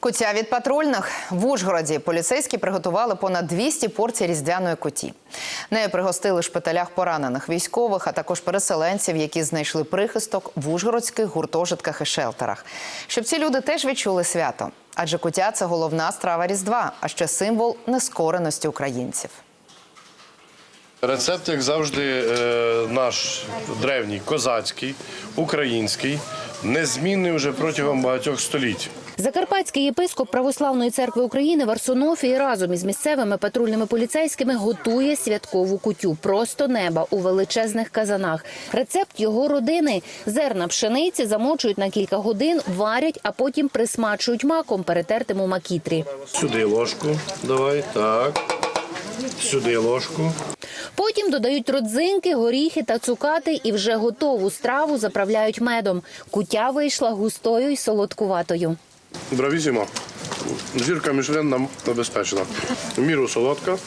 Куття від патрульних. В Ужгороді поліцейські приготували понад 200 порцій різдвяної куті. Нею пригостили в шпиталях поранених військових, а також переселенців, які знайшли прихисток в ужгородських гуртожитках і шелтерах. Щоб ці люди теж відчули свято. Адже куття – це головна страва Різдва, а ще символ нескореності українців. Рецепт, як завжди, наш древній, козацький, український, незмінний вже протягом багатьох століть. Закарпатський єпископ Православної церкви України Варсонофій разом із місцевими патрульними поліцейськими готує святкову кутю просто неба у величезних казанах. Рецепт його родини – зерна пшениці замочують на кілька годин, варять, а потім присмачують маком, перетертим у макітрі. Сюди ложку, давай, так, сюди ложку. Потім додають родзинки, горіхи та цукати і вже готову страву заправляють медом. Кутя вийшла густою і солодкуватою. Бравісімо. Зірка Мішлен нам забезпечена. В міру солодка,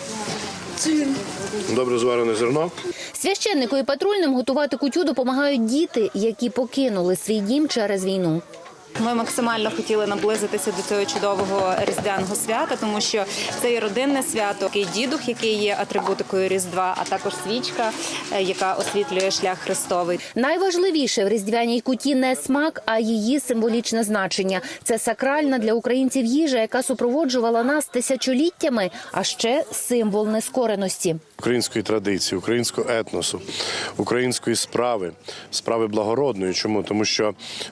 добре зварене зерно. Священнику і патрульним готувати кутю допомагають діти, які покинули свій дім через війну. Ми максимально хотіли наблизитися до цього чудового різдвяного свята, тому що це є родинне свято, такий дідух, який є атрибутикою Різдва, а також свічка, яка освітлює шлях Христовий. Найважливіше в різдвяній куті не смак, а її символічне значення. Це сакральна для українців їжа, яка супроводжувала нас тисячоліттями, а ще символ нескореності. Української традиції, українського етносу, української справи благородної. Чому? Тому що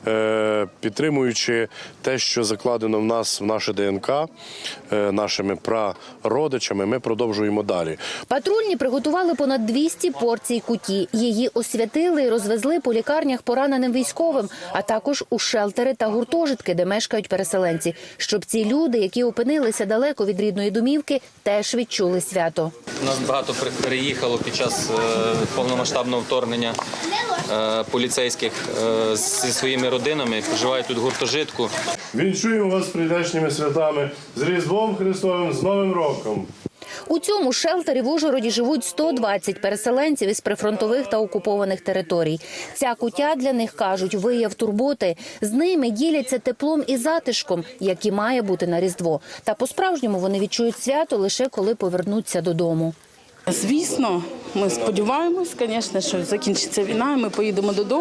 підтримуючи те, що закладено в нас, в наше ДНК, нашими прародичами, ми продовжуємо далі. Патрульні приготували понад 200 порцій куті. Її освятили і розвезли по лікарнях пораненим військовим, а також у шелтери та гуртожитки, де мешкають переселенці. Щоб ці люди, які опинилися далеко від рідної домівки, теж відчули свято. У нас багато переїхало під час повномасштабного вторгнення поліцейських зі своїми родинами, проживають тут в гуртожитку. Вінчуємо вас з прийдешніми святами, з Різдвом Христовим, з Новим роком. У цьому шелтері в Ужгороді живуть 120 переселенців із прифронтових та окупованих територій. Ця кутя для них, кажуть, вияв турботи. З ними діляться теплом і затишком, які має бути на Різдво. Та по-справжньому вони відчують свято лише коли повернуться додому. Звісно, ми сподіваємось, звісно, що закінчиться війна і ми поїдемо додому.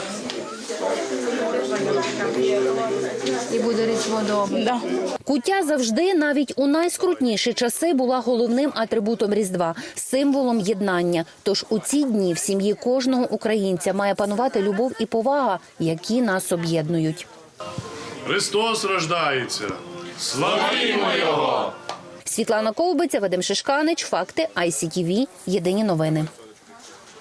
І буде Різдво вдома. Да. Куття завжди, навіть у найскрутніші часи, була головним атрибутом Різдва – символом єднання. Тож у ці дні в сім'ї кожного українця має панувати любов і повага, які нас об'єднують. Христос рождається! Славімо Його! Світлана Ковбиця, Вадим Шишканич, Факти, ICTV, Єдині новини.